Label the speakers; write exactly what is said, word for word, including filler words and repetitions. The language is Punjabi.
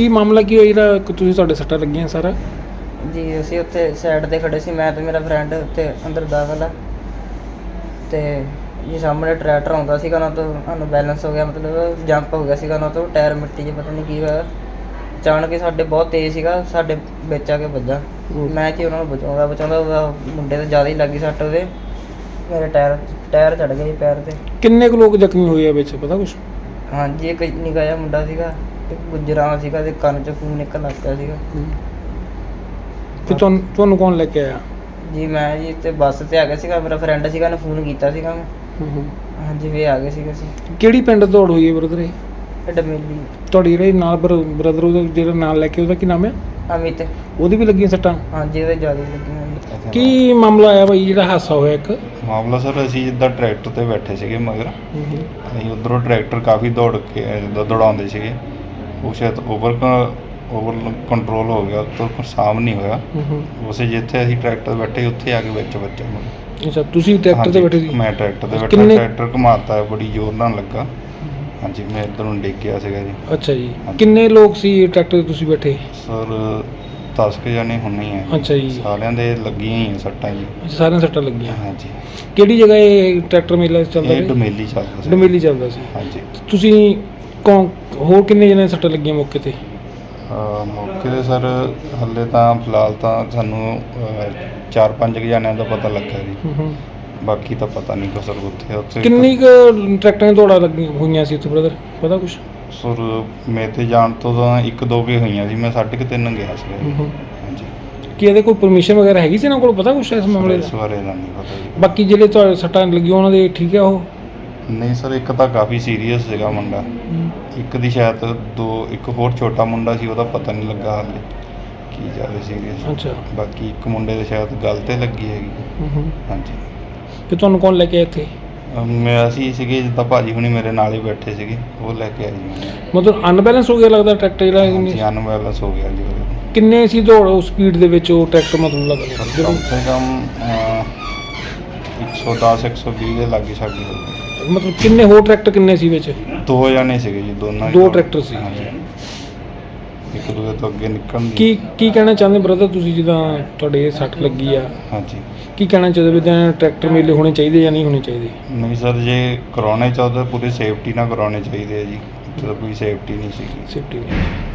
Speaker 1: ਕੀ ਮਾਮਲਾ ਕੀ ਹੋਇਆ ਜਿਹੜਾ ਕਿ ਤੁਸੀਂ ਤੁਹਾਡੇ ਸੱਟਾਂ ਲੱਗੀਆਂ ਸਾਰਾ?
Speaker 2: ਜੀ ਅਸੀਂ ਉੱਥੇ ਸਾਈਡ ਤੇ ਖੜੇ ਸੀ, ਮੈਂ ਤੇ ਮੇਰਾ ਫਰੈਂਡ ਉੱਥੇ ਅੰਦਰ ਦਾਖਲ ਆ ਤੇ ਜੀ ਸਾਹਮਣੇ ਟਰੈਕਟਰ ਆਉਂਦਾ ਸੀਗਾ ਨਾ, ਤੋਂ ਸਾਨੂੰ ਬੈਲੈਂਸ ਹੋ ਗਿਆ, ਮਤਲਬ ਜੰਪ ਹੋ ਗਿਆ ਸੀਗਾ ਨਾ, ਤੋਂ ਟਾਇਰ ਮਿੱਟੀ 'ਚ ਪਤਾ ਨਹੀਂ ਕੀ ਹੋਇਆ, ਅਚਾਨਕ ਹੀ ਸਾਡੇ ਬਹੁਤ ਤੇਜ਼ ਸੀਗਾ, ਸਾਡੇ ਵਿੱਚ ਆ ਕੇ ਵੱਜਾ। ਮੈਂ ਜੀ ਉਹਨਾਂ ਨੂੰ ਬਚਾਉਂਦਾ ਬਚਾਉਂਦਾ ਉਹਦਾ ਮੁੰਡੇ ਤੇ ਜ਼ਿਆਦਾ ਹੀ ਲੱਗੀ ਸੱਟ, ਉਹਦੇ ਮੇਰੇ ਟਾਇਰ ਟਾਇਰ ਚੜ੍ਹ ਗਿਆ ਜੀ ਪੈਰ ਤੇ।
Speaker 1: ਕਿੰਨੇ ਕੁ ਲੋਕ ਜ਼ਖਮੀ ਹੋਏ ਆ ਵਿੱਚ, ਪਤਾ ਕੁਛ?
Speaker 2: ਹਾਂਜੀ ਇੱਕ ਨਿੱਕਾ ਜਿਹਾ ਮੁੰਡਾ ਸੀਗਾ, ਇੱਕ ਗੁੱਜਰਾਂ ਸੀਗਾ ਤੇ ਕੰਨ 'ਚ ਖੂਨ ਨਿਕਲਣ ਲੱਗ ਪਿਆ ਸੀਗਾ।
Speaker 1: ਤੇ ਤੁਹਾਨੂੰ ਤੁਹਾਨੂੰ ਕੌਣ ਲੈ ਕੇ ਆਇਆ?
Speaker 2: ਜੀ ਮੈਂ ਜੀ ਤੇ ਬੱਸ ਤੇ ਆ ਗਿਆ ਸੀਗਾ, ਮੇਰਾ ਫਰੈਂਡ ਸੀਗਾ, ਉਹਨੇ ਫੋਨ ਕੀਤਾ ਸੀਗਾ ਮੈਂ। ਹਾਂਜੀ ਵੀ ਆ ਗਏ ਸੀਗੇ ਅਸੀਂ।
Speaker 1: ਕਿਹੜੀ ਪਿੰਡ ਦੌੜ ਹੋਈ ਹੈ ਬ੍ਰਦਰ? ਇਹ
Speaker 2: ਇਹ ਡਮੇਲੀ।
Speaker 1: ਤੁਹਾਡੀ ਜਿਹੜੇ ਨਾਲ ਬ੍ਰਦਰ ਉਹਦਾ ਜਿਹੜਾ ਨਾਲ ਲੈ ਕੇ ਉਹਦਾ ਕੀ ਨਾਮ ਹੈ?
Speaker 2: ਅਮਿਤ।
Speaker 1: ਉਹਦੀ ਵੀ ਲੱਗੀਆਂ ਸੱਟਾਂ?
Speaker 2: ਹਾਂਜੀ ਉਹਦੇ ਜ਼ਿਆਦਾ ਲੱਗੀਆਂ ਜੀ।
Speaker 1: ਕੀ ਮਾਮਲਾ ਆਇਆ ਬਾਈ ਜਿਹੜਾ ਹਾਦਸਾ ਹੋਇਆ ਇੱਕ?
Speaker 3: ਮਾਮਲਾ ਸਰ, ਅਸੀਂ ਜਿੱਦਾਂ ਟਰੈਕਟਰ ਤੇ ਬੈਠੇ ਸੀਗੇ ਮਗਰ, ਅਸੀਂ ਉੱਧਰੋਂ ਟਰੈਕਟਰ ਕਾਫੀ ਦੌੜ ਕੇ ਜਿੱਦਾਂ ਦੌੜਾਉਂਦੇ ਸੀਗੇ, ਉਹ ਸ਼ਾਇਦ ਓਵਰ ਓਵਰ ਕੰਟਰੋਲ ਹੋ ਗਿਆ, ਤੋਂ ਸਾਮ ਨਹੀਂ ਹੋਇਆ। ਉਸੇ ਜਿੱਥੇ ਅਸੀਂ ਟਰੈਕਟਰ ਬੈਠੇ ਉੱਥੇ ਆ ਕੇ ਵਿੱਚ ਵੱਜਿਆ ਮੈਨੂੰ।
Speaker 1: ਅੱਛਾ, ਤੁਸੀਂ ਟਰੈਕਟਰ ਤੇ ਬੈਠੇ ਸੀ?
Speaker 3: ਮੈਂ ਟਰੈਕਟਰ ਤੇ ਬੈਠਾ, ਟਰੈਕਟਰ ਘੁਮਾਤਾ ਬੜੀ ਜ਼ੋਰ ਨਾਲ ਲੱਗਾ। ਹਾਂਜੀ ਮੈਂ ਇੱਧਰ ਨੂੰ ਡਿੱਗ ਗਿਆ ਸੀਗਾ ਜੀ।
Speaker 1: ਅੱਛਾ ਜੀ, ਕਿੰਨੇ ਲੋਕ ਸੀ ਟਰੈਕਟਰ ਤੇ ਤੁਸੀਂ ਬੈਠੇ?
Speaker 3: ਸਰ ਦਸ ਕੁ ਜਾਣੇ ਹੁੰਨੇ ਹੀ ਆ।
Speaker 1: ਅੱਛਾ ਜੀ, ਸਾਰਿਆਂ
Speaker 3: ਦੇ ਲੱਗੀਆਂ ਹੀ ਆ ਸੱਟਾਂ ਜੀ।
Speaker 1: ਸਾਰਿਆਂ ਸੱਟਾਂ ਲੱਗੀਆਂ?
Speaker 3: ਹਾਂਜੀ।
Speaker 1: ਕਿਹੜੀ ਜਗ੍ਹਾ ਇਹ ਟਰੈਕਟਰ ਮੇਲਾ ਚੱਲਦਾ?
Speaker 3: ਇਹ ਡਮੇਲੀ ਚੱਲਦਾ ਸੀ।
Speaker 1: ਡਮੇਲੀ ਚੱਲਦਾ ਸੀ।
Speaker 3: ਹਾਂਜੀ।
Speaker 1: ਤੁਸੀਂ ਕੌਣ ਹੋਰ ਕਿੰਨੇ ਜਣੇ ਸੱਟਾਂ ਲੱਗੀਆਂ ਮੌਕੇ ਤੇ?
Speaker 3: ਮੌਕੇ 'ਤੇ ਸਰ ਹਾਲੇ ਤਾਂ ਫਿਲਹਾਲ ਤਾਂ ਸਾਨੂੰ ਚਾਰ ਪੰਜ ਕੁ ਜਣਿਆਂ ਦਾ ਪਤਾ ਲੱਗਾ ਜੀ, ਬਾਕੀ ਤਾਂ ਪਤਾ ਨਹੀਂ ਕੁਛ। ਸਰ ਉੱਥੇ ਉੱਥੇ
Speaker 1: ਕਿੰਨੀ ਕੁ ਟਰੈਕਟਰਾਂ ਦੌੜਾਂ ਲੱਗੀਆਂ ਹੋਈਆਂ ਸੀ ਉੱਥੇ ਬ੍ਰਦਰ, ਪਤਾ ਕੁਛ?
Speaker 3: ਸਰ ਮੇਰੇ ਤੇ ਜਾਣ ਤੋਂ ਤਾਂ ਇੱਕ ਦੋ ਕੁ ਹੋਈਆਂ ਸੀ, ਮੈਂ ਸਾਢੇ ਕੁ ਤਿੰਨ ਗਿਆ ਸੀ। ਹਾਂਜੀ।
Speaker 1: ਕੀ ਇਹਦੇ ਕੋਈ ਪਰਮਿਸ਼ਨ ਵਗੈਰਾ ਹੈਗੀ ਸੀ ਇਹਨਾਂ ਕੋਲ, ਪਤਾ ਕੁਛ ਇਸ ਮਾਮਲੇ ਦਾ?
Speaker 3: ਇਸ ਬਾਰੇ ਦਾ ਨਹੀਂ ਪਤਾ ਜੀ।
Speaker 1: ਬਾਕੀ ਜਿਹੜੇ ਤੁਹਾਡੇ ਸੱਟਾਂ ਲੱਗੀਆਂ ਉਹਨਾਂ ਦੇ ਠੀਕ ਆ ਉਹ?
Speaker 3: ਨਹੀਂ ਸਰ, ਇੱਕ ਤਾਂ ਕਾਫੀ ਸੀਰੀਅਸ ਸੀਗਾ ਮੁੰਡਾ, ਇੱਕ ਦੀ ਸ਼ਾਇਦ ਦੋ, ਇੱਕ ਹੋਰ ਛੋਟਾ ਮੁੰਡਾ ਸੀ, ਉਹਦਾ ਪਤਾ ਨਹੀਂ ਲੱਗਾ ਹਾਲੇ ਕੀ ਜ਼ਿਆਦਾ ਸੀਰੀਅਸ।
Speaker 1: ਅੱਛਾ।
Speaker 3: ਬਾਕੀ ਇੱਕ ਮੁੰਡੇ ਦੇ ਸ਼ਾਇਦ ਗਲ 'ਤੇ ਲੱਗੀ ਹੈਗੀ। ਹਾਂਜੀ।
Speaker 1: ਤੇ ਤੁਹਾਨੂੰ ਕੌਣ ਲੈ ਕੇ ਆਇਆ ਇੱਥੇ?
Speaker 3: ਮੈਂ ਅਸੀਂ ਸੀਗੇ ਜਿੱਦਾਂ ਭਾਜੀ ਹੁਣੀ ਮੇਰੇ ਨਾਲ ਹੀ ਬੈਠੇ ਸੀਗੇ, ਉਹ ਲੈ ਕੇ ਆਏ ਜੀ।
Speaker 1: ਮਤਲਬ ਅਨਬੈਲੈਂਸ ਹੋ ਗਿਆ ਲੱਗਦਾ ਟਰੈਕਟਰ ਜਿਹੜਾ?
Speaker 3: ਹਾਂਜੀ ਅਨਬੈਲੈਂਸ ਹੋ ਗਿਆ ਜੀ।
Speaker 1: ਕਿੰਨੇ ਸੀ ਦੌੜ ਉਸ ਸਪੀਡ ਦੇ ਵਿੱਚ ਉਹ ਟਰੈਕਟਰ, ਮਤਲਬ ਲੱਗਦਾ
Speaker 3: ਕਮ ਸੇ ਕਮ ਇੱਕ ਸੌ ਦਸ ਇੱਕ ਸੌ ਵੀਹ ਦੇ ਲਾਗੇ ਸਾਡੀ ਹੋ ਗਈ।
Speaker 1: ਮਤਲਬ ਕਿੰਨੇ ਹੋਰ ਟਰੈਕਟਰ ਕਿੰਨੇ ਸੀ ਵਿੱਚ?
Speaker 3: ਦੋ ਜਾਣੇ ਸੀਗੇ ਜੀ, ਦੋਨਾਂ
Speaker 1: ਦੋ ਟਰੈਕਟਰ ਸੀ।
Speaker 3: ਹਾਂਜੀ। ਇੱਕ ਦੂਜੇ ਤੋਂ ਅੱਗੇ ਨਿਕਲਣ ਦੀ।
Speaker 1: ਕੀ ਕੀ ਕਹਿਣਾ ਚਾਹੁੰਦੇ ਬ੍ਰਦਰ ਤੁਸੀਂ, ਜਿੱਦਾਂ ਤੁਹਾਡੇ ਸੱਟ ਲੱਗੀ ਆ?
Speaker 3: ਹਾਂਜੀ।
Speaker 1: ਕੀ ਕਹਿਣਾ ਚਾਹੁੰਦੇ ਵੀ ਤਾਂ ਟਰੈਕਟਰ ਮੇਲੇ ਹੋਣੇ ਚਾਹੀਦੇ ਜਾਂ ਨਹੀਂ ਹੋਣੇ ਚਾਹੀਦੇ?
Speaker 3: ਨਹੀਂ ਸਰ, ਜੇ ਕਰਾਉਣੇ ਚਾਹੁੰਦੇ ਪੂਰੀ ਸੇਫਟੀ ਨਾਲ ਕਰਾਉਣੇ ਚਾਹੀਦੇ ਆ ਜੀ, ਇੱਥੇ ਤਾਂ ਕੋਈ ਸੇਫਟੀ ਨਹੀਂ ਸੀਗੀ।
Speaker 1: ਸੇਫਟੀ ਨਹੀਂ।